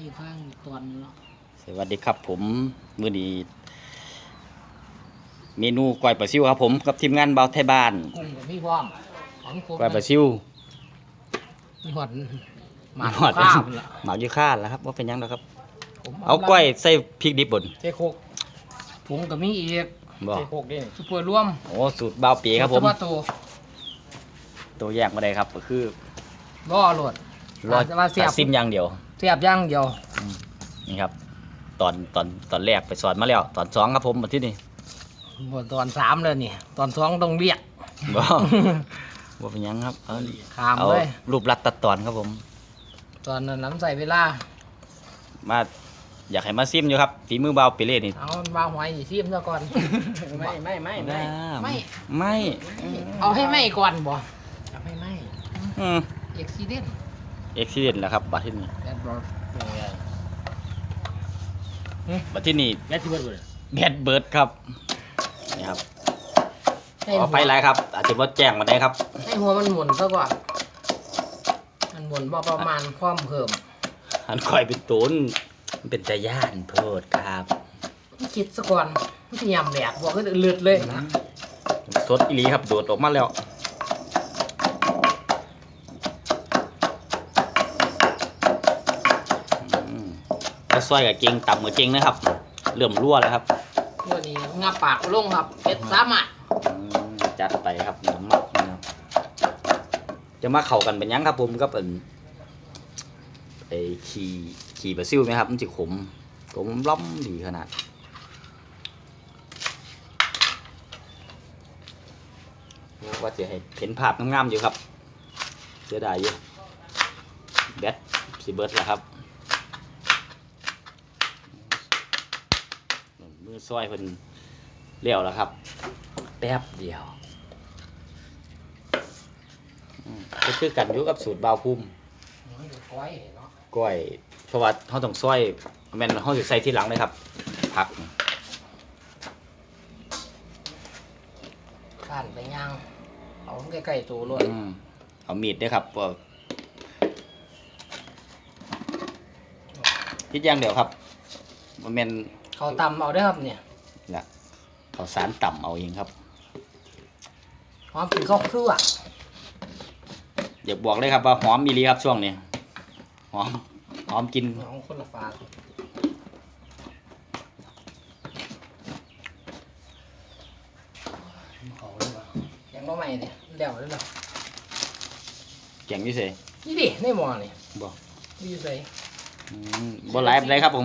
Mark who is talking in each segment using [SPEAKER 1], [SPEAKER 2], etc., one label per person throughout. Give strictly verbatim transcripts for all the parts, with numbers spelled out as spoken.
[SPEAKER 1] อยู่ข้างตอนนี้เนาะ
[SPEAKER 2] สวัสดีครับผมมื้อนี้เมนูก้อยปลาซิวครับผมกับทีมงานเบาไทยบ้าน
[SPEAKER 1] กุ้งกับพี่พร้อมของครบ
[SPEAKER 2] ก้อยปลาซิว
[SPEAKER 1] มีหอดห
[SPEAKER 2] ห
[SPEAKER 1] มาก
[SPEAKER 2] อด
[SPEAKER 1] ข้าวละ
[SPEAKER 2] หมากยูคาแล้วครับว่าเป็นยังแล้วครับเอาก้อยใส่พริกดิบบน
[SPEAKER 1] เจ๊โคกผงกับมีอีก
[SPEAKER 2] บ่
[SPEAKER 1] เจ๊โคกนี่ซุปเปอร์ร่วม
[SPEAKER 2] โอ้สูตรเบาปีครับผม
[SPEAKER 1] ว่าตัว
[SPEAKER 2] ตัวแยกมาได้ครับก็คือ
[SPEAKER 1] ล่อโหลด
[SPEAKER 2] รอ
[SPEAKER 1] ว่าเสียบ
[SPEAKER 2] ซิมอย่างเดียว
[SPEAKER 1] เสียบย่างเดียว
[SPEAKER 2] นี่ครับตอนตอนตอนแรกไปสอนมาแล้วตอนสองครับผมมาที่นี่
[SPEAKER 1] หมดตอนสามเลยนี่ตอนสองต้องเรียก
[SPEAKER 2] บ่ว่าเป็นยังครับเอา
[SPEAKER 1] ขาม
[SPEAKER 2] เอา
[SPEAKER 1] เลย
[SPEAKER 2] รูปลัดตัดตอนครับผม
[SPEAKER 1] ตอนนั้นน้ำใส่เวลา
[SPEAKER 2] มาอยากให้มาซิมอยู่ครับฝีมือเบาปีเล่นี่
[SPEAKER 1] เอาวางหอยซีมซะก่อนไม่ไม่ไม่ไม่ไม่
[SPEAKER 2] ไม่
[SPEAKER 1] เอาให้ไหม่ก่อนบ่เอาให้ไหม่
[SPEAKER 2] อืม
[SPEAKER 1] เอ็กซิเดน
[SPEAKER 2] เอ็กซิเดนต์แล้วครับบัดที่นี่
[SPEAKER 1] แบดบอลเป็นไง
[SPEAKER 2] บัดที่นี่
[SPEAKER 1] แบดที่เบิร์ดเลย
[SPEAKER 2] แบดเบิร์ดครับนี่ครับ
[SPEAKER 1] ให้
[SPEAKER 2] ขอ
[SPEAKER 1] หัว
[SPEAKER 2] ไปหลายครับ อาจจะว่าแจ้งมาได้ครับ
[SPEAKER 1] ให้หัวมันหมุนซะก่อนมันหมุนบ่ประมาณความเพิ่ม
[SPEAKER 2] อันคอยเป็นตูนมันเป็นตาย่านโพดครับ
[SPEAKER 1] คิดซะก่อนมันจะยำแหลกบอกก็เลือดเลยนะ
[SPEAKER 2] สดอีหลีครับโดดออกมาแล้วถ้าซอยกับเก่งต่ำกับเก่งนะครับเริ่มรั่วแล้วครับ
[SPEAKER 1] ตัวนี้งับปากลงครับเป็ดสามารถ
[SPEAKER 2] อืมจัดไปครับน้ำมันนะครับจะมาเข้ากันเป็นยังครับผมก็เป็นไอ้ขี่ขี่บราซิลไหมครับมันจะขมขมล้อมดีขนาดว่าจะให้เห็นภาพงามๆอยู่ครับเสียดายอยู่แบตสีเบิร์ดแล้วครับมือซอยเพิ่นเลี้ยวแล้วครับแป๊บเดียวก็คือกันอยู่กับสูตรบาวพุ่ม
[SPEAKER 1] ก้อยเนาะ
[SPEAKER 2] ก้อยเพราะว่าเขาต้องซอยแม่นเขาจะใส่ที่หลังเลยครับผัก
[SPEAKER 1] ข้านไปย่างเอาใกล้ๆตัวรวด
[SPEAKER 2] อืมเอามีดด้วยครับว่าพิดอย่างเดียวครับมันเป็น
[SPEAKER 1] เขาตำเอาได้อครับเนี่ย
[SPEAKER 2] ละข้าวสารต่ำเอาเองครับ
[SPEAKER 1] หอมกินข้าวเครื่อง
[SPEAKER 2] อยากบอกเลยครับว่าหอมมีลีครับช่วงนี้หอมหอมกิน
[SPEAKER 1] น้องคนละฝาเขาเลยว่ะยังมาใหม่เนี่ยเดี๋ยวเลยเหรอ
[SPEAKER 2] เก่งที่สุด
[SPEAKER 1] นี่ดิในหม้อนี่
[SPEAKER 2] บอก
[SPEAKER 1] ดีใส่
[SPEAKER 2] อืมบ่หลายเลยครับผม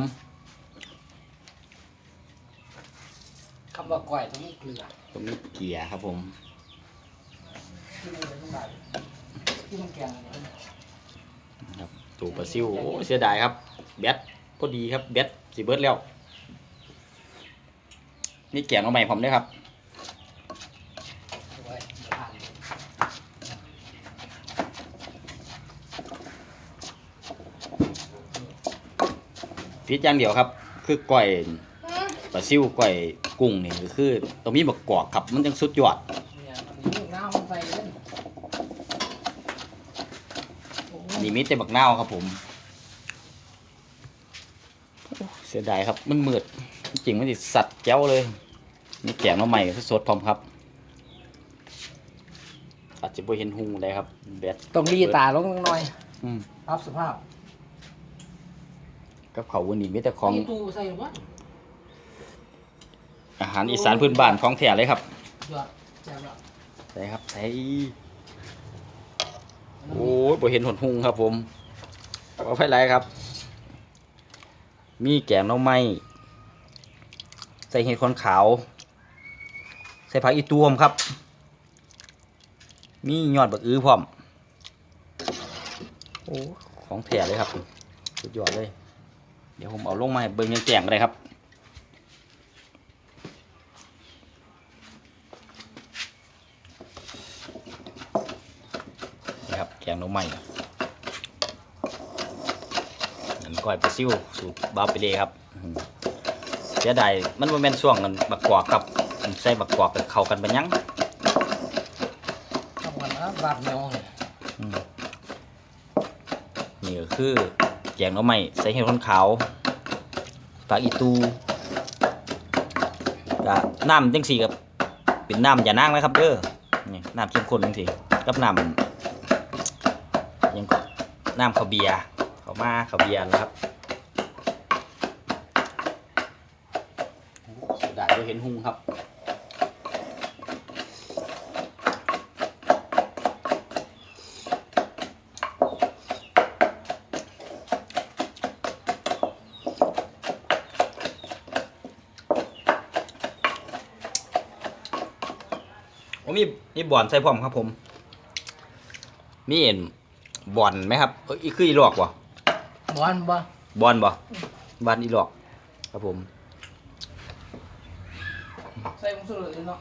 [SPEAKER 1] คำว่าก้อยต้องมีเกลือ
[SPEAKER 2] ตรงนี้เกียร์ครับผม
[SPEAKER 1] ที่มันเป็นแบบที่มันแกงอะไรเนี่ย
[SPEAKER 2] ครับตูปลาซิวโอ้เสียดายครับแบตก็ดีครับแบตสีเบิร์ดแล้วนี่แกงเอาใหม่ผมด้วยครับ
[SPEAKER 1] เอาไว้เดี๋ยวผ่าน
[SPEAKER 2] พิดอย่างเดียวครับ คือก้อยปลาซิวก้อยกุ้งนี่ก็คือตรงนี้บักกอกครับมันยังสุดยอด
[SPEAKER 1] เนี่ยลูกน้ำมันใส่เล่นโอ้ย
[SPEAKER 2] นี่มีแต่บักนาวครับผมเสียดายครับมันมืดจริงมันติสัตว์แจ้วเลยนี่แกงมาใหม่สดๆพร้อมครับอาจจะบ่เห็นหุงได้ครับแบต
[SPEAKER 1] ต้องรีตาลงหน่อย
[SPEAKER 2] อืม
[SPEAKER 1] รับสภาพ
[SPEAKER 2] กับเขาววันนี้มีแต่ของ
[SPEAKER 1] นี่ตู้ใส่หรือวะ
[SPEAKER 2] อาหารอีสานพื้นบ้านของแท้เลยครับ
[SPEAKER 1] ยอดแจ่มละ
[SPEAKER 2] ใส่ครับใส่โอ้ยบ่เห็นหนหุงครับผมเอาไปไรครับ มีแกงหน่อไม้ใส่เห็ดขอนขาว ใส่ผักอีตูมครับ มียอดบักอื้อพร้อมโอ้ของแท้เลยครับสุดยอดเลย เดี๋ยวผมเอาลงมาให้เบิ่งยังแกงเลยครับนี่ครับแกงหน่อไม้นั่นก้อยปลาซิวสูตรบาเปเล่ครับอืมเสียดายมันบ่แม่นช่วงกันบักกวากครับใส่บักกวากไปเข้ากันเป็นยัง
[SPEAKER 1] ทำกันนะบาดเนียวเนี่ย
[SPEAKER 2] อืมนี่ก็คือแกงหน่อไม้ใส่เห็ดคนขาวผักอีตูก็น้ำจังสี่กับเป็นน้ำอย่านั่งนะครับเด้อนี่น้ำเข้มข้นจังสี่กับน้ำยังก็น้ำข้าวเบียร์ข้าวมาข้าวเบียร์นะครับได้ก็เห็นหุงครับโอ้มีมีบ่อนใส่พร้อมครับผมมีเห็นบ่อนไหมครับเอ้ยคืออีหลอกวะ
[SPEAKER 1] บอลบ่
[SPEAKER 2] บอลบ่บอลอีหลอกครับผม
[SPEAKER 1] ใส่ผงชูรสเลยเนาะ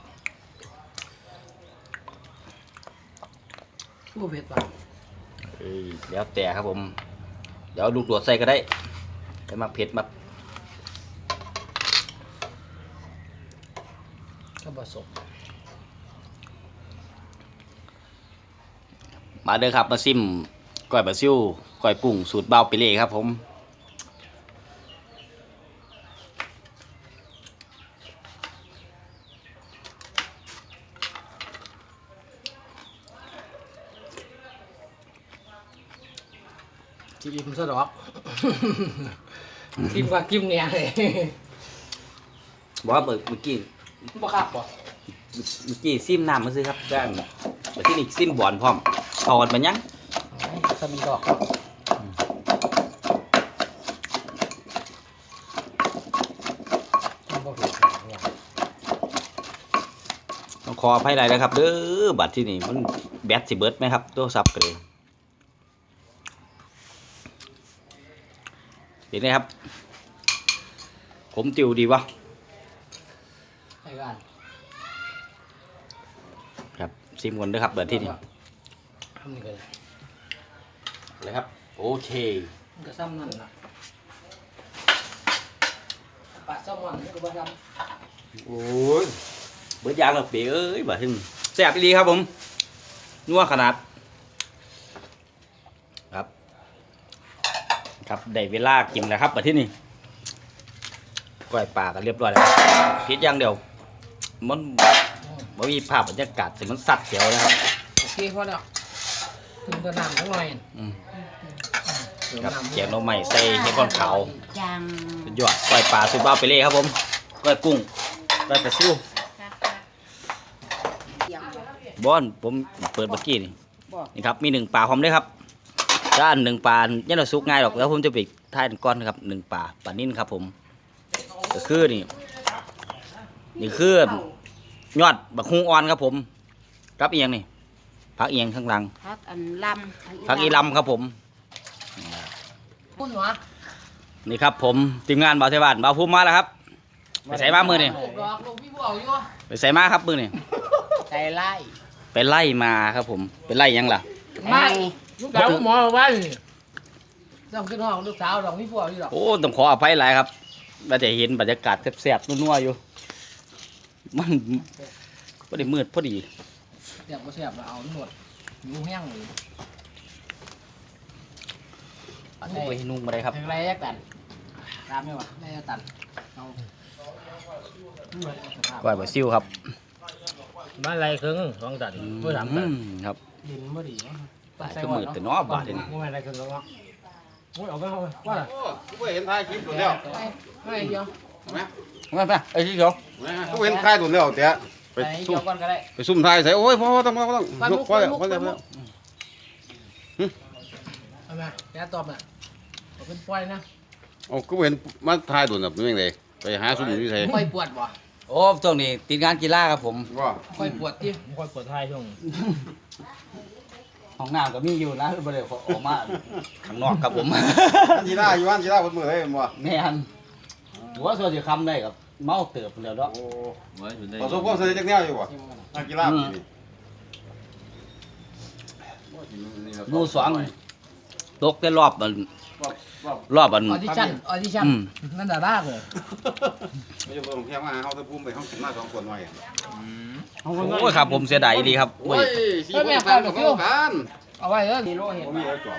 [SPEAKER 1] ผู้เผ็ดป่ะ
[SPEAKER 2] เอ้ยแล้วแต่ครับผมเดี๋ยวลูกโดดใส่ก็ได้แต่มาเผ็ดมา
[SPEAKER 1] ก็ผสม
[SPEAKER 2] มาเด้อครับมาซิมก้อยบะซิ่วก้อยกุ้งสูตรเบาไปเลยครับผม
[SPEAKER 1] จิ้มซะดอก จิ้มกว่าจิ้มเนี่ยเลย
[SPEAKER 2] บอกว่าเมื่อเมื่อกี้
[SPEAKER 1] บ่ครับบ่
[SPEAKER 2] เมื่อกี้ซิมน้ำมาซื้อครับจ้างแต่ที่นี่ซิมบอลพร้อมทอดมันยัง
[SPEAKER 1] สมีดอกครับบ่เผ็ดเนี่ย
[SPEAKER 2] ต้องขออภัยหลายนะครับเด้อบัตรที่นี่มันแบตสิเบิร์ดไหมครับโทรศัพท์ก็เลยเห็นไหมครับผมติวดีวะ
[SPEAKER 1] ให้กัน
[SPEAKER 2] ครับซิมก่อนเด้อครับเบิร์ดที่นี่
[SPEAKER 1] ทำนี่ก็ได้
[SPEAKER 2] เลยครับโอเค
[SPEAKER 1] มันก็ซ้ำนั่นน่ะปลาแซลมอนนี่ก็บ่ทำ
[SPEAKER 2] โอ้ยเบิร์ดยางหรอกเป๋เอ้ยบัตรที่นี่แซ่บดีครับผมนัวขนาดครับครับได้เวลากินแล้วครับบัตรที่นี่ก้อยปลากันเรียบร้อยแล้วคิดอย่างเดียวมันมันมีภาพบรรยากาศสิมันสัดเขียวนะครับ
[SPEAKER 1] โอเคพอแล้วถึงตัวน้ำทั้งหน่อย
[SPEAKER 2] อืม
[SPEAKER 1] เติม
[SPEAKER 2] ครับ
[SPEAKER 1] น้ำ
[SPEAKER 2] แกงหน่อไม้ใส่เห็ดก้อนขาว
[SPEAKER 3] จัง
[SPEAKER 2] สุดยอดก้อยปลาสุดบ้าไปเลยครับผมก้อยกุ้งก้อยปลาซิว
[SPEAKER 3] เดี๋ยว
[SPEAKER 2] บอนผมเปิดเมื่อกี้นี่
[SPEAKER 3] บอก
[SPEAKER 2] นี่ครับมีหนึ่งปลาพร้อมด้วยครับด้านหนึ่งปลาเนี่ยเราซุกง่ายหรอกแล้วผมจะไปท้ายก้อนนะครับหนึ่งปลาปลานิ่นครับผมก็คือนี่นี่คือยอดบักฮุงอ่อนครับผมกับเอียงนี่ผักเอียงข้างหลัง
[SPEAKER 3] พักอันลำ
[SPEAKER 2] ผักอีลำครับผม
[SPEAKER 1] พุ่นหัว
[SPEAKER 2] นี่ครับผมทีมงานบ่าวเทบ้านบ่าวภูมิมาแล้วครับไปใส่มามือนี่
[SPEAKER 1] ลูกดอกลูกพี่บัวอยู่
[SPEAKER 2] ไปใส่มาครับมือนี่
[SPEAKER 1] ใจไล่
[SPEAKER 2] ไปไล่มาครับผมไปไล่ยังล่ะ
[SPEAKER 1] ไม่ลูกสาวหมอว่าต้องขึ้นห้องลูกสาวดอกพี่บัวอยู่ดอก
[SPEAKER 2] โอ้ต้องขออภัยหลายครับเราจะเห็นบรรยากาศแซ่บๆนัวๆอยู่มันพอดีมืดพอดี
[SPEAKER 1] เสียบก็เสียบแล้วเอาหนวดอยู่แห้งเลย
[SPEAKER 2] อันนี้ไปนุ่งมาเลยครับ
[SPEAKER 1] เพลงไรยักตันตามไหมวะไรยักตันเอาสภาพ
[SPEAKER 2] ก้อยบะซิ่วครับ
[SPEAKER 4] บ้านไรครึ่งสองตันเพื่อสามตัน
[SPEAKER 2] อืมครับ
[SPEAKER 1] ดินไม่ดีวะ
[SPEAKER 2] ตายก็มืดแต่เน้อบาดนี่
[SPEAKER 4] บ้านไรครึ่งแล้วก็โอ้ยเอาไปเอาไปว่าล่ะ
[SPEAKER 5] โอ้กูบ่เห็นถ่ายคลิปตัวแล้ว
[SPEAKER 1] ไม่ไม่เดียว
[SPEAKER 5] เห็นไหม
[SPEAKER 2] มาไปไอ้ที่เขา
[SPEAKER 5] กูเห็นถ่ายตัวแล้วแต่ไป
[SPEAKER 1] ไป
[SPEAKER 5] ซุ่
[SPEAKER 1] เดี
[SPEAKER 5] ม
[SPEAKER 1] ยวก่อนก็ได้
[SPEAKER 5] ไปซุ่มถ่ายใส่โอ้ยพ่อต้องต้องต้อง
[SPEAKER 1] ไป
[SPEAKER 5] ย
[SPEAKER 1] มุ
[SPEAKER 5] ก
[SPEAKER 1] ก
[SPEAKER 5] พอแล้ว
[SPEAKER 1] ไปมุก
[SPEAKER 5] พอแล้ว
[SPEAKER 1] ไป
[SPEAKER 5] พอ
[SPEAKER 1] มุ
[SPEAKER 5] แล้
[SPEAKER 1] ก
[SPEAKER 5] ว
[SPEAKER 1] เอามาแกตอบอ่ะเอาเป็นปล่อยนะ
[SPEAKER 5] โอ้กูบ่เห็นมันถ่ายตัวแบบนี้ยังไงไปหาซุ่มอยู่ที่ไส
[SPEAKER 1] ปล่อยปวดบ่
[SPEAKER 2] โอ้ช่วงนี้ติดงานกีฬาครับผม
[SPEAKER 5] ว่า
[SPEAKER 1] ปล่อยปวดที่
[SPEAKER 4] ผมค่อยเปิดท้ายช่วง
[SPEAKER 2] ห้องน้ำก็มีอยู่นะคือบ่ได้ออกมาข้างนอกครับผม
[SPEAKER 5] อันจีน่าอยู่อันจีน่าบนมือเลยบ่
[SPEAKER 2] แม่นหัวส่วนสิคำได้กับเมาเติบแล้วเนาะ
[SPEAKER 5] โอ้ประสบความสำเร็จจักแนวอยู่บ่นักกีฬาปีนี้
[SPEAKER 2] หมู่สองตกแต่รอบมัน
[SPEAKER 5] รอบรอบ
[SPEAKER 2] รอบมัน
[SPEAKER 1] ออดิชั่นออดิชั่น
[SPEAKER 2] อืม
[SPEAKER 1] นั่นดาราเลย
[SPEAKER 5] ไม่ใช่บ่ต้องแค่มาเฮาตะภูมิไปเฮาขึ้นมาสองคนหน่อย
[SPEAKER 2] โอ้ยครับผมเสียดายดีครับ
[SPEAKER 5] โอ้ยสี่คนกันกัน
[SPEAKER 1] เอาไว้เออนี่โลเห็น
[SPEAKER 5] บ่มีแล้วจอม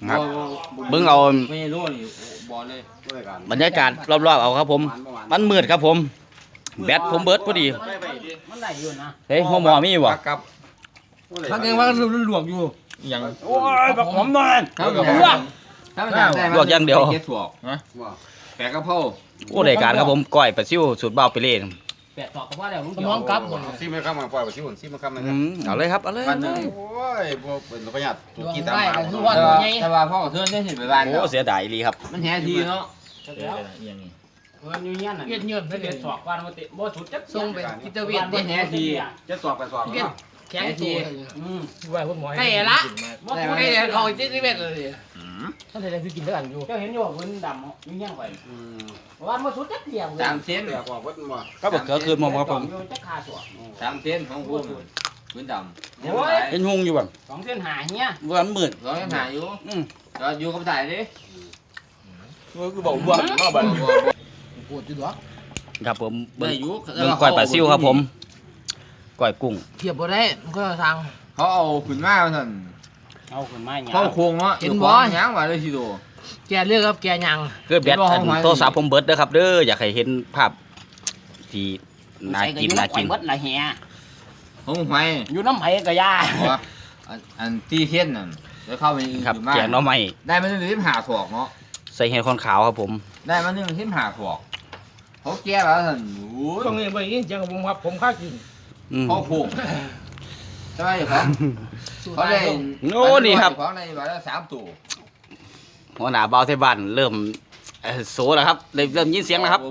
[SPEAKER 2] ครับเบิ่งเอา
[SPEAKER 4] ไม่รู้นี่บอลเลย
[SPEAKER 2] บรรยากาศรอบๆเอาครับผม มันมืดครับผม แบตผมเบิดพอดี
[SPEAKER 4] มันไหลอยู่นะ
[SPEAKER 2] เฮ้ยหัวหมอมีบ่
[SPEAKER 5] ครับ
[SPEAKER 1] พักยังว่าหลวกอยู่
[SPEAKER 4] ยัง
[SPEAKER 2] โอ้ยบักหอมหน่อย
[SPEAKER 4] ถ้ามันถ้ามันได้
[SPEAKER 2] ลวกอย่างเดียว
[SPEAKER 4] เก็บสวกนะแปะกระเพรา
[SPEAKER 2] โอ้รายการครับผมก้อยปลาซิวสูตรเบาไปเล่น
[SPEAKER 4] แปะสวกก็ว่าแล้ว
[SPEAKER 1] สมองกลับหมด
[SPEAKER 5] ซีไม่ข้ามมาปล่อยไปซิวนซีไม่ข้ามนะ
[SPEAKER 2] อืมเอาเลยครับเอาเลย
[SPEAKER 4] วันนึง
[SPEAKER 5] โอ้ยบ่เป็นประหยัดถูกกี่ตาม
[SPEAKER 1] ได้
[SPEAKER 5] มา
[SPEAKER 1] กันทุกวัน
[SPEAKER 4] แต่ว่าพ่อเทือนได้เห็นไปบ้าน
[SPEAKER 2] โอ้เสียดายลีครับ
[SPEAKER 4] มันแห่ทีเนาะ
[SPEAKER 3] มันอยู่เงี้ยน่ะ
[SPEAKER 1] เวียนเงิน
[SPEAKER 3] ไม่
[SPEAKER 1] ไม่
[SPEAKER 3] เด็
[SPEAKER 1] เด็
[SPEAKER 3] ด
[SPEAKER 1] ด
[SPEAKER 3] สอกวันมาติบ่สุดจัก
[SPEAKER 1] ส่งไปกิตเวียน
[SPEAKER 4] มันแห่ที
[SPEAKER 3] จะสอกไปสอก
[SPEAKER 1] เวียนแข็งตัว
[SPEAKER 3] อืม
[SPEAKER 4] ว่าพวกหมอ
[SPEAKER 1] ใกล้ละใกล้เขาจิตเวียนเลย
[SPEAKER 4] ท่านใดคือกินด้วยกันอยู่
[SPEAKER 3] เจ้าเห็นอยู่ว่าพื้นดำอยู่เงี้ยไปวันมาสุดจักเที่ยง
[SPEAKER 4] สามเซน
[SPEAKER 5] แต่กว่าวัดบ่
[SPEAKER 2] ก็บอกเกิดขึ้นมาครับผม
[SPEAKER 3] อยู่จักขาสอก
[SPEAKER 4] สามเซนของคุณพื้นดำ
[SPEAKER 3] โอ้ย
[SPEAKER 2] เห็นหุงอยู่บ่
[SPEAKER 3] สองเส้นหาเงี้ย
[SPEAKER 2] วันมืด
[SPEAKER 4] ร้อยหาอยู่
[SPEAKER 2] อืม
[SPEAKER 4] ก็อยู่กับถ่ายดิ
[SPEAKER 2] คือบอกว่าก็แบบ
[SPEAKER 1] ปวดจุดหรอ
[SPEAKER 2] ครับผม
[SPEAKER 4] ได้
[SPEAKER 2] เบิ่ง
[SPEAKER 4] อยู่
[SPEAKER 2] เบิ่งก้อยปลาซิวครับผมก้อยกุ้ง
[SPEAKER 1] เทียบบ่ได้มันก็ทาง
[SPEAKER 4] เขาเอาขึ้นมาท่าน
[SPEAKER 3] เอาขึ้นมาอย่าง
[SPEAKER 4] เข้าโค้งเนาะยังว่าเลยทีโด
[SPEAKER 1] แกเลือกครับแกยัง
[SPEAKER 2] คือแบตอันโทรศัพท์ผมเบิดเด้อครับเด้ออยากให้เห็นภาพที่น่ากินน่ากิน
[SPEAKER 3] เบิดละเฮีย
[SPEAKER 4] ของหอย
[SPEAKER 3] อยู่น้ำไผ่กะยา
[SPEAKER 4] อันอันตีเทียนนั่นแล้วเข้าไป
[SPEAKER 2] ครับแกงหน่อไม้
[SPEAKER 4] ได้มาหนึ่งทิมหาถอกเนาะ
[SPEAKER 2] ใส่เห็ดคนขาวครับผม
[SPEAKER 4] ได้มาหนึ่งทิมหาถอกเขาแก้แล้วท่านโอ้ย
[SPEAKER 1] ตรงนี้ไปยิงจังผมครับผมค่ากิน
[SPEAKER 2] อืม
[SPEAKER 4] เขาโค้งใช่ไหมเขาเขาได้ของในวันละสามตัว
[SPEAKER 2] หัวหน้าเบาเทบ้านเริ่มเอ่อโซแล้วครับเริ่มเริ่มยินเสียงแล้วครับ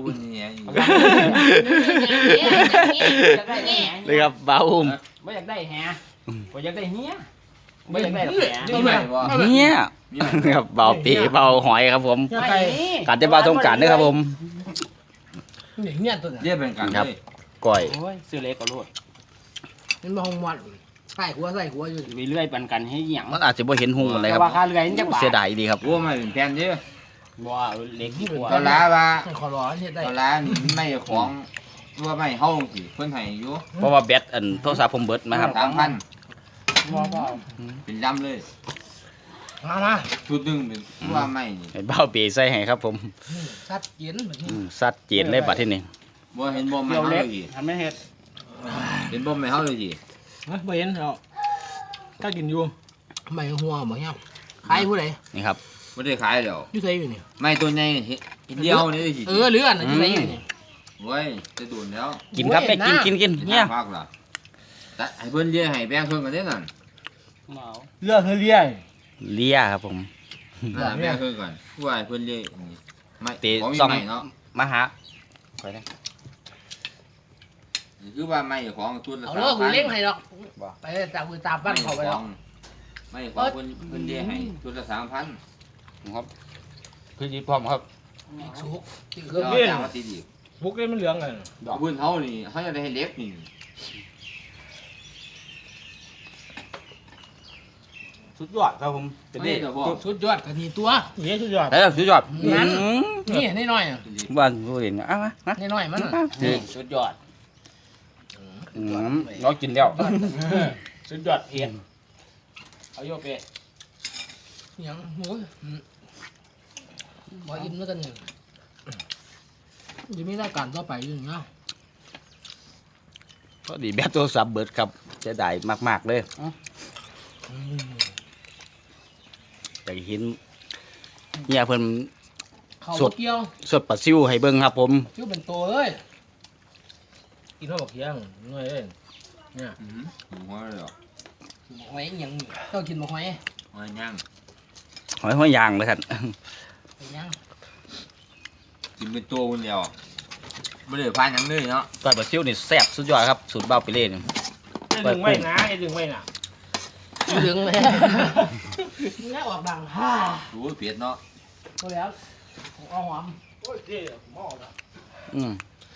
[SPEAKER 2] เลยครับเบาอุ้ม
[SPEAKER 3] ไม่อยากได้แฮไม่อยากได้เฮียไม่อยากได้แฮ
[SPEAKER 4] นี่ไหมวะ
[SPEAKER 2] เนี่ยครับเบาปีเบาหอยครับผม
[SPEAKER 3] ไม่
[SPEAKER 2] การจะเบาสงกรารด้วยครับผม
[SPEAKER 1] นี่เนี่ยตัวนี้
[SPEAKER 4] เรียกเป็นกันเลย
[SPEAKER 2] ก้อย
[SPEAKER 3] โอ้ยซื้อเล็กก็รวด
[SPEAKER 1] มันมาหงมันใส่หัวใส่หัวอยู่
[SPEAKER 3] มีเลื่อยปันกันให้หยัง
[SPEAKER 2] มันอาจจะบ่เห็นหุงอะไรค
[SPEAKER 3] แต่
[SPEAKER 2] รับ
[SPEAKER 3] ว่าค่าเลื่อยนี่จักบาท
[SPEAKER 2] เสียดายดีครับ
[SPEAKER 4] วัวไม่เป็นแผ่นเยอะ
[SPEAKER 3] บ่เล็กที่กว่า
[SPEAKER 4] ตอนล้าว่า
[SPEAKER 1] ขอร้อนเฮ็ดได้
[SPEAKER 4] ตอนล้านี่ไม่ของว่าไม่เฮาสิเพิ่นให้อยู่
[SPEAKER 2] เพราะว่าแบตอันโทรศัพท์ผมเบิดนะครับ
[SPEAKER 4] สามพัน
[SPEAKER 1] บ่บ่
[SPEAKER 4] เป็นลำเลย
[SPEAKER 1] มามา
[SPEAKER 4] ชุดหนึ่งเป็นว่าไม่นี่
[SPEAKER 2] ให้เบาปีใส่ให้ครับผม
[SPEAKER 1] ชัดเจนแบบนี้
[SPEAKER 2] อืมสัดเจนเลยบัดที่นี่
[SPEAKER 4] บ่เห็นบ่ไม่
[SPEAKER 3] เกี่ยว
[SPEAKER 4] เฮา
[SPEAKER 3] เล็
[SPEAKER 4] เล
[SPEAKER 3] ก
[SPEAKER 4] ยสิ
[SPEAKER 3] ทำไม่เฮ็ด
[SPEAKER 4] เห็นบ่ไม่เฮาเลยสิ
[SPEAKER 1] ไม่เห็นหรอกถ้ากินอยู่ไม่หัวบ่เนี่ยใครผู้ใด
[SPEAKER 2] นี่ครับ
[SPEAKER 4] บ่ได้ขายแล้ว
[SPEAKER 1] อยู่ไสอยู่นี่
[SPEAKER 4] ไม่ตัวใหญ่เห็นเดียวนี่สิ
[SPEAKER 1] เออเลื่อนอยู่ไสอยู่นี่
[SPEAKER 4] โอ้ยจะดูดแล้ว
[SPEAKER 2] กินครับไปกินกินกินเนี่ย
[SPEAKER 4] มากล่ะแต่ให้เพิ่นเลี้ยให้แบ่งเพิ่นกันเด้นั่น
[SPEAKER 1] เลื่อนเลื่อย
[SPEAKER 2] เลียครับผม
[SPEAKER 4] นั่นแบ่งเพิ่นก่อนผู้ให้เพิ่นเลี้ยนี่ไม่
[SPEAKER 2] เตะ
[SPEAKER 4] ของมี
[SPEAKER 2] ซ่อง
[SPEAKER 4] ใหม่เนาะ
[SPEAKER 2] มาหาไปนะ
[SPEAKER 4] คือว่าไม่ของชุดละ
[SPEAKER 1] เอาเลิกกูเลี้ยงให้ดอกไปตามมือตามบ้านเขาไปดอก
[SPEAKER 4] ไม่ของเพิ่นเพิ่นเลี้ยให้ชุดละสามพัน
[SPEAKER 2] ครับคือจีพร้อมครับ
[SPEAKER 1] สุกที่
[SPEAKER 4] เค
[SPEAKER 1] เค
[SPEAKER 4] รื่
[SPEAKER 1] รื่
[SPEAKER 4] อ
[SPEAKER 1] อง ง
[SPEAKER 4] จ้างมาตีดี
[SPEAKER 1] บุกเลยมันเหลืองเลย
[SPEAKER 4] ดอกพื้นเฮานี่เฮาจะได้ให้เล็กนี่
[SPEAKER 2] สุดยอดครับผมเป็น
[SPEAKER 4] นี่เด้อบ่
[SPEAKER 1] สุดยอดกันนี่ตัว
[SPEAKER 3] นี่สุดยอด
[SPEAKER 2] แต่สุดยอด
[SPEAKER 1] งั้น
[SPEAKER 2] อืม
[SPEAKER 1] นี่นิดหน่อยอ่ะ
[SPEAKER 2] บ้านผู้เห็นอ่ะมามา
[SPEAKER 1] นิดหน่อยมัน
[SPEAKER 3] นี่สุดยอด
[SPEAKER 2] อืมเรากินแล้ว
[SPEAKER 3] สุดยอดเพียนเอาโยเป
[SPEAKER 1] ยังโอ้ยบ่อิ่มแล้วกันเนี่ยจะมีรายการต่อไปอยู่เนาะ
[SPEAKER 2] ก็ดีแบบโทรศัพท์เบิดครับจะได้มากๆเลยอยากเห็นเนี่ยเพิ่น
[SPEAKER 1] เขา
[SPEAKER 2] สด
[SPEAKER 1] เกี่ยว
[SPEAKER 2] สดปลาซิวให้เบิ่งครับผม
[SPEAKER 1] ชื่อเป็นตัวเลย
[SPEAKER 4] กินข้าวบักเคียงหน่อยเด้เนี่ยอือหัวเลยเหรอ
[SPEAKER 1] บอกไว้ยังต้องกินบอกไว้
[SPEAKER 4] หัวย่าง
[SPEAKER 2] หอยหอยยางเลยครับ
[SPEAKER 1] ไปยัง
[SPEAKER 4] กินเป็นตัวคนเดียวไม่ได้พายหยังเลยเนาะ
[SPEAKER 2] ก้อยปลาซิวนี่แซ่บสุดยอดครับสูตรเบ้าไปเล่น
[SPEAKER 3] ไอ้ดึงไว้นะไอ้ดึงไว้น่ะ
[SPEAKER 1] เหลืองเลยแล้วออกดังฮ่า
[SPEAKER 4] ดูเผ็ดเนาะ
[SPEAKER 1] พอแล้วเอาหอม
[SPEAKER 3] โอ้ยเจ๊หม้อละ
[SPEAKER 2] อืม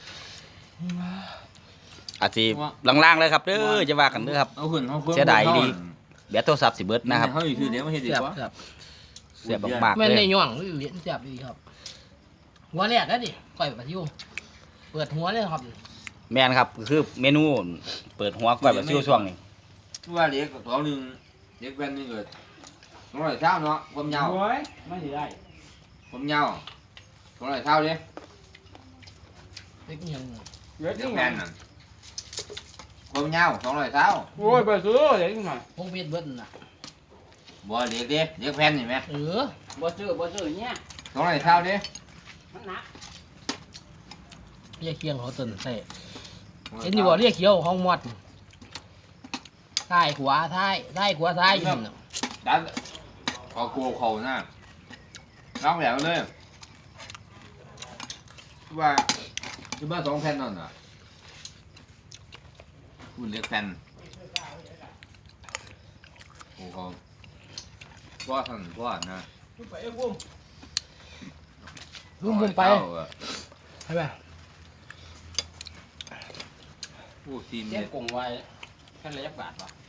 [SPEAKER 2] อาจสิล่างๆเลยครับเด้อจะว่ากันเด้อครับ
[SPEAKER 4] เอาขึ้นเอาขึ้น
[SPEAKER 2] เสียดายดี แบตโทรศัพท์สิเบิดนะครับ
[SPEAKER 4] เขาอยู่คือเดี๋ยวไม่เห็นดี
[SPEAKER 1] เสียบ
[SPEAKER 4] กว่า
[SPEAKER 1] เสียบ
[SPEAKER 2] เสียบมากๆ
[SPEAKER 1] แม่น
[SPEAKER 2] เล
[SPEAKER 1] ใน
[SPEAKER 2] ย
[SPEAKER 1] ย่องเหรียญเสียบดีครับ หัวแรกนะดิก่อยปลาซิวเปิดหัวเลยครับ
[SPEAKER 2] แม่นครับคือเมนูเปิดหัวก้อยปลาซิวช่วงนี้
[SPEAKER 4] ว่าเล็กตัวหนึ่งเล็กแว่นนี่เกิดองร้อยเช้าเนาะความยาว
[SPEAKER 3] โอ้ยไม่สิได้
[SPEAKER 4] ความยาวสองร้อยเช้าดิ
[SPEAKER 1] เล็กยัง
[SPEAKER 3] เล็ก
[SPEAKER 4] เด็
[SPEAKER 3] นี่
[SPEAKER 4] ก
[SPEAKER 3] ไง
[SPEAKER 4] แผ่นน่ะความยาวสองร้อยเช้า
[SPEAKER 3] โอ้ยไปซื้อเล็กนี่ไง
[SPEAKER 1] พงเพชรเบิ้ลน่ะ
[SPEAKER 4] บ่เด็กดิเด็กแผ่นเห็นไหม
[SPEAKER 1] เออ
[SPEAKER 3] บ่ซื้อบ่ซื้อเนี่ย
[SPEAKER 4] สองร้อยเช้าดิ
[SPEAKER 3] มันหนัก
[SPEAKER 1] เรียกเคียงเขาตื่นใส่เห็นอยู่บ่เรียกเขียวห้องมอดท้ายขวาท้ายท้ายขวาท้ายอยู่นั่นน่ะ
[SPEAKER 4] ดันขอกูเขาหน้าน้องแหลมเลยว่าคือบ้านสองแผ่นนั่นน่ะคุณเรียกแผ่นโอ้เขาว่าท่านว่านะ
[SPEAKER 3] ไปเอ้กุ้ม
[SPEAKER 1] รุ่มบุมไป
[SPEAKER 4] เช้าอะ
[SPEAKER 1] ใช่ไหม
[SPEAKER 4] ผู้ทีม
[SPEAKER 3] เส้
[SPEAKER 4] เนี่
[SPEAKER 3] น
[SPEAKER 4] ย
[SPEAKER 3] กงไว้แค่ระยะบาทวะ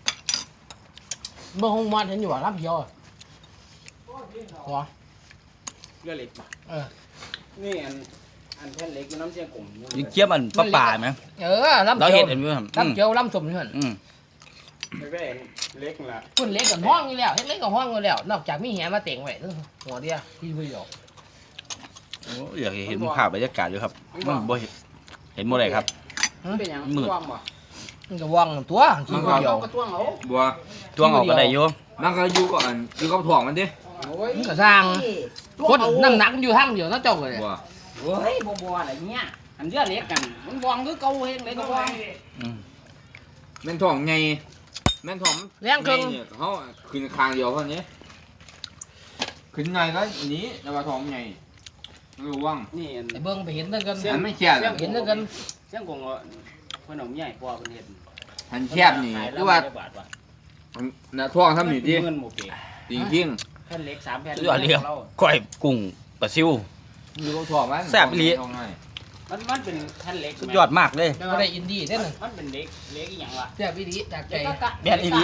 [SPEAKER 1] เมื่อห้องมอดเห็นอยู่ว่ารับเขียวหัว
[SPEAKER 3] เรือเล็กป่ะ
[SPEAKER 1] เออ
[SPEAKER 3] นี่อันอันแผ่นเล็กมันน้ำเส้นกง
[SPEAKER 2] ยิงเจี๊ยบมันปลาป่าไหม
[SPEAKER 1] เออรับ
[SPEAKER 2] เรา
[SPEAKER 1] เขี
[SPEAKER 2] เห็
[SPEAKER 1] ย
[SPEAKER 2] น
[SPEAKER 1] ว
[SPEAKER 2] เห็นไหมครับ
[SPEAKER 1] รับเขียวรับสมนี่เหรอ
[SPEAKER 2] อืม
[SPEAKER 3] ไม่แบ่งเล็กละ
[SPEAKER 1] พุ่นเล็กกับห้องนี่แล้วเฮ็ดเล็กกับห้องนี่แล้ว นอกจากมีแหมาเต่งไว้หัวเดียวที่ไม่ออก
[SPEAKER 2] โอ้อยากเห็นภาพบรรยากาศอยู่ครับมันบ่เห็นเห็นหมดเลยครับ
[SPEAKER 3] เป็นยัง
[SPEAKER 2] มืด
[SPEAKER 3] ว่างบ่
[SPEAKER 1] มันก็ว่างตัวที่
[SPEAKER 3] มัน
[SPEAKER 1] เดียว
[SPEAKER 3] ก็ต้วงเอา
[SPEAKER 4] บัว
[SPEAKER 2] จ้วงออกก็ได้อยู่
[SPEAKER 4] มันก็อยู่ก่อนอยู่กับถ่วงมันดิ
[SPEAKER 3] โอ้ย
[SPEAKER 1] มันก็สร้างคนนั่งหนักอยู่ทางเดียวนะเจ้าเลย
[SPEAKER 4] บัว
[SPEAKER 3] โอ้ยบ่บ่อะไรเงี้ยอันเรือเล็กกันมันวางคือเก่าเฮงเลยก็วาง
[SPEAKER 2] อืม
[SPEAKER 4] แม่นถ่วงไงแม่นถ่วง
[SPEAKER 1] แรงเครื่อง
[SPEAKER 4] เนี่ยเขาขึ้นคางเดียวเท่านี้ขึ้นไงก็หนี้แต่ว่าถ่วงไงระวัง
[SPEAKER 3] นี่อัน
[SPEAKER 1] ไอ้เบิ้งไปเห็นนั่นกัน
[SPEAKER 4] อันไม่แคบ
[SPEAKER 1] เห็นนั่นกัน
[SPEAKER 3] เส้นกงเพิ่นเอาใหญ่กว่าเพิ่นเฮ็ด
[SPEAKER 4] อันแคบนี่คือว่าน่ะถ่วงทำนี่ดิ
[SPEAKER 3] เงินหมู่เก๋
[SPEAKER 4] จริงจริง
[SPEAKER 3] แผ่นเล็กสามแผ่น
[SPEAKER 2] สุดยอดเลยครับก้อยกุ้งปลาซิว
[SPEAKER 4] ๆอยู่กับถ่วงมัน
[SPEAKER 2] แซ่บอีหลี
[SPEAKER 4] ถ่วงไง
[SPEAKER 3] มันมันเป็นแผ่นเล็ก
[SPEAKER 2] สุดยอดมากเลย
[SPEAKER 1] ไม่ว่าได้อินดี้เท่านั้น
[SPEAKER 3] มันเป็นเล็กเล็กอีหยังวะ
[SPEAKER 1] แซ่บอีดีจากใจ
[SPEAKER 3] เล็กก็
[SPEAKER 2] แม่นอีหลี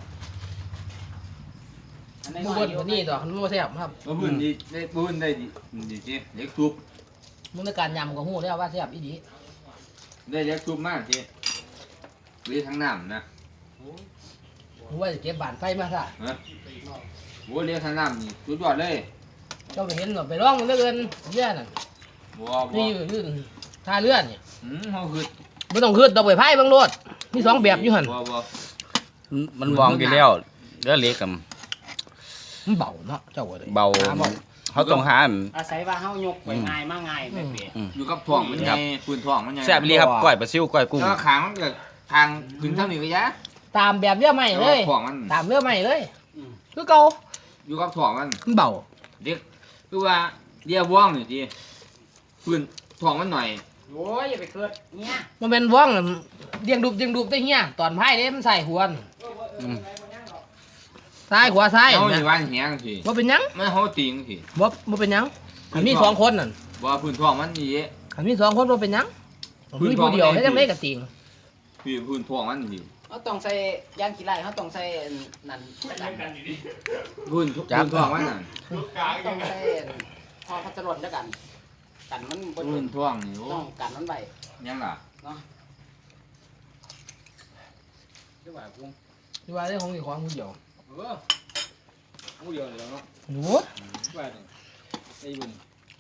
[SPEAKER 1] บูเบิ้ลคนนี้ดอกมันบ่แซ่บครับ
[SPEAKER 4] มาพื้นดีได้พื้นได้ดีดีจิเล็กทุบ
[SPEAKER 1] มึงในการยำก็ฮู้แล้วว่าแซ่บอีดี
[SPEAKER 4] ได้เล็กทุบมากจิหรือทั้งน้ำนะ
[SPEAKER 1] มึงว่าจะเก็บบานไฟมาซะ
[SPEAKER 4] ฮะโว้เลี้ยงทั้งน้ำนี่สุดยอดเลย
[SPEAKER 1] เจ้าไปเห็นหรอไปร้องมันเหลือเกินเยอะน่ะ
[SPEAKER 4] บัวบั
[SPEAKER 1] นี่
[SPEAKER 4] ว
[SPEAKER 1] อยู่อยู่ท่าเรือนี่
[SPEAKER 4] อืมเขาคือ
[SPEAKER 1] ไม่ต้องขึ้นดอกใบไผ่เบางโลดมีสองแบบอยู่หั่น
[SPEAKER 4] บัวบัว
[SPEAKER 2] มันวางอยู่แล้วเรือเล็กกับ
[SPEAKER 1] มันเบาเนาะเจ้าก็เลย
[SPEAKER 2] เบา
[SPEAKER 1] หเบา
[SPEAKER 2] เขาต้องหาอัน
[SPEAKER 3] อาศัยว่าเฮายกไปง่ายมาง่ายแม่เป๋
[SPEAKER 4] อยู่กับถ่วงมันไงพื้นถ่วงมันไง
[SPEAKER 2] แซ่บอีหลีครับก้อยปลาซิวก้อยกุ้ง
[SPEAKER 4] แล้วก็ขางมันเกิดทางขึ้นเท่านี้ก็ยะ
[SPEAKER 1] ตามแบบเรือใหม่เลย
[SPEAKER 4] ถ่วงมัน
[SPEAKER 1] ตามเรือใหม่เลยคือเก่า
[SPEAKER 4] อยู่กับถ่วงมัน
[SPEAKER 1] มันเบา
[SPEAKER 4] เด็กคือว่าเรียว่องนี่จีพื้นถ่วงมันหน่อย
[SPEAKER 3] โอ้ยอย่าไปเกิดเนี่ย
[SPEAKER 1] มันเป็นว่องน่ะเดียงดุบเดียงดุบได้เฮียตอนไพ่เด้มันใส่หวน
[SPEAKER 2] อืม
[SPEAKER 1] ซ้ายขวาซ้าย
[SPEAKER 4] เขา
[SPEAKER 1] นะ
[SPEAKER 4] อยู่บ้านเฮียงสิ
[SPEAKER 1] บ่เป็นหยัง
[SPEAKER 4] มันเขาตีงสิ
[SPEAKER 1] บ่บ่เป็นหยังอันมีสองคนนั่น
[SPEAKER 4] ว่าพื้นถ่วงมันนี่
[SPEAKER 1] อันมีสองคนบ่เป็นหยัง
[SPEAKER 4] พื้น
[SPEAKER 1] มี
[SPEAKER 4] ท้อง
[SPEAKER 1] ผู้เดียว
[SPEAKER 4] มัน
[SPEAKER 1] ให้
[SPEAKER 4] ได้
[SPEAKER 1] จังได๋ก็ติง
[SPEAKER 4] พื้นพื้นถ่วงมันสิ
[SPEAKER 3] เขาต้องใส่ยางขี้ไล่เขาต้องใส่นั่นกัน
[SPEAKER 4] พื้นพื้นถ่วงมันน่ะ
[SPEAKER 3] ต้องใส่พอพัชรนแล้วกัน กันมันบ่
[SPEAKER 4] พื้นถ่วงนี่โอ้
[SPEAKER 3] ต้องกันมันไว้
[SPEAKER 4] ยังล่ะ
[SPEAKER 3] คือว่ากุ้ง
[SPEAKER 1] ที่ว่าได้ของอีกของผู้เดียว
[SPEAKER 3] เออผู้เดียวเลยเนาะ
[SPEAKER 1] โอ้
[SPEAKER 3] ว่าไอ้บุญ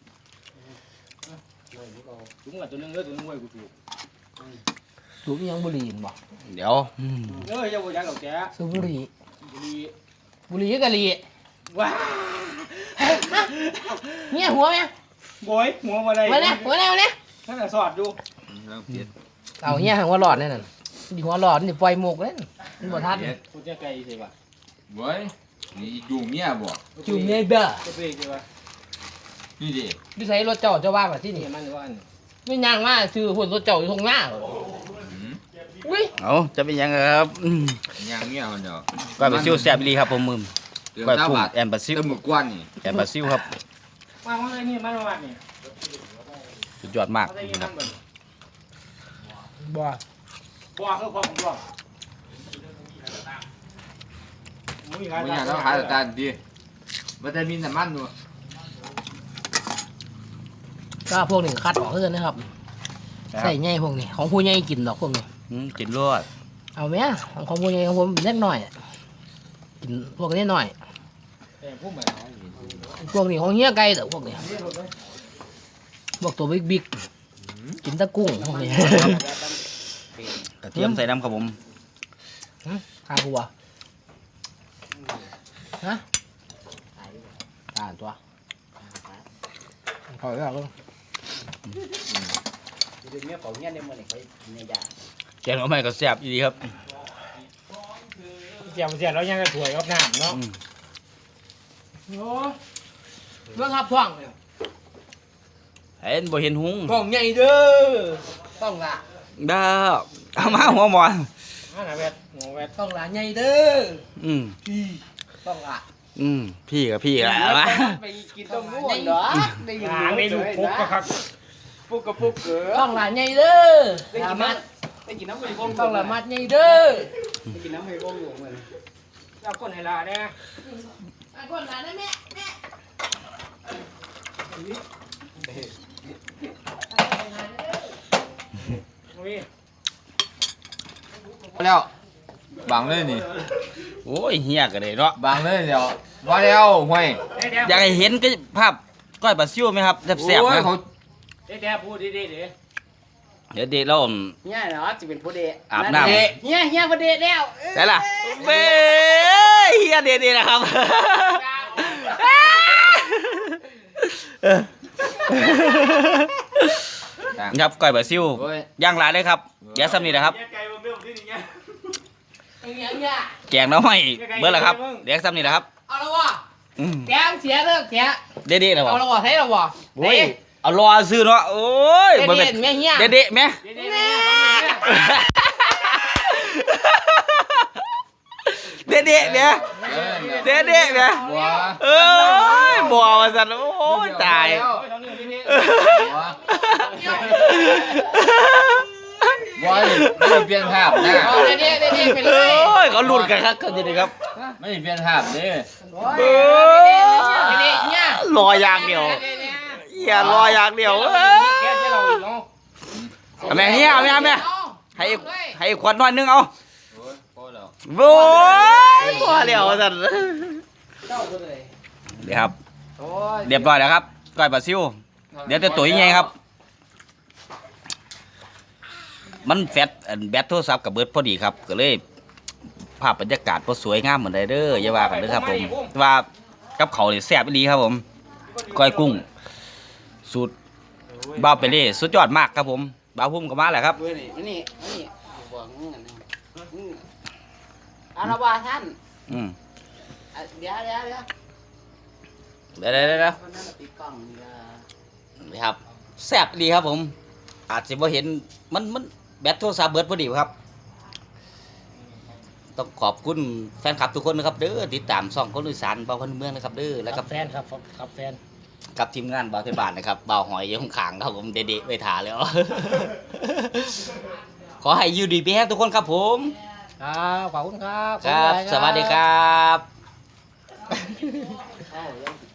[SPEAKER 3] ถุงกับตัวนึงเด้อตัวนึงไว้กูถูก
[SPEAKER 1] สูบอีหยังบุหรี่บ่
[SPEAKER 2] เดี๋ยวอืม
[SPEAKER 3] เอ้ยอย่าบ่อยากหรอกแก
[SPEAKER 1] สูบบุหรี่
[SPEAKER 3] บุรี
[SPEAKER 1] บุหรี่กะหรี่
[SPEAKER 3] ว้า
[SPEAKER 1] เนี่ยหัวแม่
[SPEAKER 3] โอยหัวมาได้
[SPEAKER 1] มาเนี่ยหัวแน่มาเนี่ย
[SPEAKER 3] นั่นน่ะสอดอยู่
[SPEAKER 1] เอาเฮียหัวหลอดนั่นน่ะดิหัวหลอดนี่ปล่อยหมกเลยมันบ่ทัน
[SPEAKER 3] กูจะไกลใช่ป่ะ
[SPEAKER 4] เว้ยนี่อยู่เมียบ่
[SPEAKER 1] จุ่มในเบ้อ
[SPEAKER 3] จะเบรกใช่ป่ะ
[SPEAKER 4] นี่ดิ
[SPEAKER 1] ดิใส่รถเจ้าเจ้าว่าแบบที่
[SPEAKER 3] นี่
[SPEAKER 1] นี่
[SPEAKER 3] มันว่าอัน
[SPEAKER 1] ไม่ย่างมาซื้อหุ่นรถเจ้าอยู่ตรงหน้า
[SPEAKER 4] อืม
[SPEAKER 1] อุ้ย
[SPEAKER 2] เอาจะเป็นยังไงครับอืม
[SPEAKER 4] ยังเมียมันเนาะ
[SPEAKER 2] ก้อยปลาซิวแซ่บอีหลีครับผมมือ
[SPEAKER 4] เดือน
[SPEAKER 2] ก้อย
[SPEAKER 4] เก้า
[SPEAKER 2] กุ้ง
[SPEAKER 4] บาท
[SPEAKER 2] แอนปลาซิว
[SPEAKER 4] เต็มหมึกกวนนี่
[SPEAKER 2] แอนปลาซิวครับ
[SPEAKER 3] มาว่าอะไรนี่มันว่านี่
[SPEAKER 2] สุดยอดมาก
[SPEAKER 3] อะไรนี่
[SPEAKER 2] ค
[SPEAKER 3] มั
[SPEAKER 2] รับ
[SPEAKER 3] นเบิ่ง
[SPEAKER 1] บ่
[SPEAKER 3] บ่คือความบ่มึงมี
[SPEAKER 4] มันอยากต้องหาแต่ตาดีมันจะมีน้ำมันอยู่
[SPEAKER 1] ก็พวกนี้คัดออกเพื่อนนะครับใส่ใหญ่พวกนี้ของผู้ใหญ่กินดอกพวกนี้
[SPEAKER 2] อืมกินรวด
[SPEAKER 1] เอาไหมของของผู้ใหญ่ของผมเล็กหน่อยกินพวกนี้หน่อยพวกนี้ของเฮียไก่แต่พวกนี้พวกตัวบิ๊กบิ๊กกินแตะกุ้งพวกนี้
[SPEAKER 2] กระเทียมใส่น้ำครับผม
[SPEAKER 1] ข้าวหัวฮะอ่านตัวขอแล้วก็
[SPEAKER 3] เดี๋ยวเมียเป่าเงี้ยในมือนี่เขาเนี่ยยา
[SPEAKER 2] แกงหน่อไม้ก็แซ่บอีดีครับ
[SPEAKER 6] เจียวเจียวแล้วยังจะถวยกับน้ำเนาะ
[SPEAKER 2] อืม
[SPEAKER 1] โอ้เรื่องทับท่องเลย
[SPEAKER 2] เห็นบ่เห็นหุง
[SPEAKER 1] ท่องใหญ่เด้อต้องละ
[SPEAKER 2] เด้อเอามาหัวหมอน
[SPEAKER 6] อ่าหนาแวดหัวแวด
[SPEAKER 1] ต้องละใหญ่เด้อ
[SPEAKER 2] อืม
[SPEAKER 1] พี่ต้องละ
[SPEAKER 2] อืมพี่กับพี่แหละมา
[SPEAKER 3] ไปกินต้มงูเหรอได้ยิน
[SPEAKER 6] หางในลูกพุกก็ครับ
[SPEAKER 3] ปุ๊กกับปุ๊กเก๋อ
[SPEAKER 1] ต้องละใหญ่เด้อ
[SPEAKER 3] ได้
[SPEAKER 1] ละ
[SPEAKER 3] กิน
[SPEAKER 1] มั
[SPEAKER 3] น้
[SPEAKER 1] ด
[SPEAKER 3] ำได้กินน้ำมันวง
[SPEAKER 1] ต้องละมัดใหญ่เด้อ
[SPEAKER 3] ได้กินน้ำมันวงอยู่มือ
[SPEAKER 6] เอาก้นให้ลาเนี่ย
[SPEAKER 1] ไอ้คนละนะแม่แม่
[SPEAKER 6] อุ้ย
[SPEAKER 4] แล้วบังเลยนี่
[SPEAKER 2] โอ้ยเฮียกันเลยเนาะ
[SPEAKER 4] บังเลยเดี๋ยวว่าแล้วห่วย
[SPEAKER 6] เดี๋ยว
[SPEAKER 2] อยากให้เห็นก็ภาพก้อยปลาซิวไหมครับแซ่บๆ
[SPEAKER 4] โอ้ย
[SPEAKER 2] นะ
[SPEAKER 4] เขา
[SPEAKER 6] เดี๋ยวพูดดีๆเดี๋ยว
[SPEAKER 2] เดี๋ยวเด็กเรา
[SPEAKER 3] เฮียเหรอจะเป็นผู้เดะ
[SPEAKER 2] อาบน้ำ
[SPEAKER 3] เฮียเฮียผู้เดะแล้ว
[SPEAKER 2] ได้ล่ะเบ้เฮียเด็ดๆนะครับครับก้อยปลาซิว
[SPEAKER 4] โอ้ย
[SPEAKER 2] ย่างหลายเลยครับอย่าซ้ำนี่นะครับ
[SPEAKER 6] ไก่บางเรื่องที่นี่ไง
[SPEAKER 1] ไอ้เงี้ยเนี่ย
[SPEAKER 2] แกงหน้ำไม่เบิ่แล้วครับเดี๋ยวซ้ำนี่นะครับ
[SPEAKER 1] เอาละวะ
[SPEAKER 2] อืม
[SPEAKER 1] แกงเสียเด้อแก
[SPEAKER 2] เด็ดๆนะวะ
[SPEAKER 1] เอาละวะใช่ละวะ
[SPEAKER 2] โอ้ยเอารอซื้อเนาะโอ้ย
[SPEAKER 1] เด็ด
[SPEAKER 2] บ่
[SPEAKER 1] เด็
[SPEAKER 2] เป็
[SPEAKER 1] ด
[SPEAKER 2] น
[SPEAKER 1] แม่เฮีย
[SPEAKER 2] เด็ดๆไหม เด็ดๆเนี่ย
[SPEAKER 4] เออ
[SPEAKER 2] เด็ดๆเนี่ย
[SPEAKER 4] บัว
[SPEAKER 2] เอ้ยบัวมาสั่นโอ้ยตาย
[SPEAKER 4] บัวนี่ไม่ได้เปลี่ยนภาพนะ
[SPEAKER 1] เอาเด็ดเด็ดเด็ดเด็ดไปเล
[SPEAKER 2] โอ้
[SPEAKER 1] ย
[SPEAKER 2] ยเขาหลุดกันครับเขาจะดีครับ
[SPEAKER 4] ไม่ได้เปลี่ยนภาพเด้
[SPEAKER 2] เออ
[SPEAKER 1] เด็ดเนี่ย
[SPEAKER 2] รออย่างเดียวอย่ารออย่างเดียวเอ้ย
[SPEAKER 6] แค่ที่เราเนาะ
[SPEAKER 2] เอาแม่เฮียเอาแม่เอาแม่ให้ให้ขวดหน่อยนึงเอา
[SPEAKER 4] โอ้ยพอแล้ว
[SPEAKER 2] โว้ยพอแล้วสั่น
[SPEAKER 3] เจ้าผู้เลย
[SPEAKER 2] เดี๋ยวครับ
[SPEAKER 3] โอ้ย
[SPEAKER 2] เรียบร้อยแล้วครับก้อยปลาซิว เดี๋ยวจะตุ๋ยยังไงครับ มันแฟตอันแบตโทรศัพท์กับเบิร์ดพอดีครับ ก็เลยภาพบรรยากาศพอสวยงามเหมือนไดเด้ออย่าว่ากันเด้อครับผมว่ากับเขาวนี่แซ่บอีหลีครับผมก้อยกุ้ง สูตรบ้าวเปเล่สุดยอดมากครับผมบ้าวพุ่มก็มาแหละครับ
[SPEAKER 3] เว้ยนี่นี่นี่บอกงั้นนะอืมอาละวะท่าน
[SPEAKER 2] อืม
[SPEAKER 3] อ่ะเดี๋ยวเดี๋ยวเดี๋ยว
[SPEAKER 2] เดี๋ยวเดี๋ยวเดี๋ยว
[SPEAKER 3] คนนั้นน่ะติดกล้องนี่ละ
[SPEAKER 2] นี่ครับแซ่บอีหลีครับผม อาจจะบ่เห็นมันมันแบตโทรศัพท์เบิร์ดพอดีครับ ต้องขอบคุณแฟนคลับทุกคนนะครับเด้อติดตามช่องคนอีสานเบาคนเมืองนะครับเด้อแล้ว
[SPEAKER 6] กั
[SPEAKER 2] กั
[SPEAKER 6] บบ แฟนครับกับแฟน
[SPEAKER 2] กับทีมงานเบาเทบานนะครับเบาหอยอยข้างๆครับผมเด็ดๆไปถาแล้ว ขอให้อยู่ดีพี่แฮทุกคนครับผม
[SPEAKER 6] ครับขอบคุณครับ
[SPEAKER 2] ครับ สวัสดีครับ
[SPEAKER 3] เอ้ายัง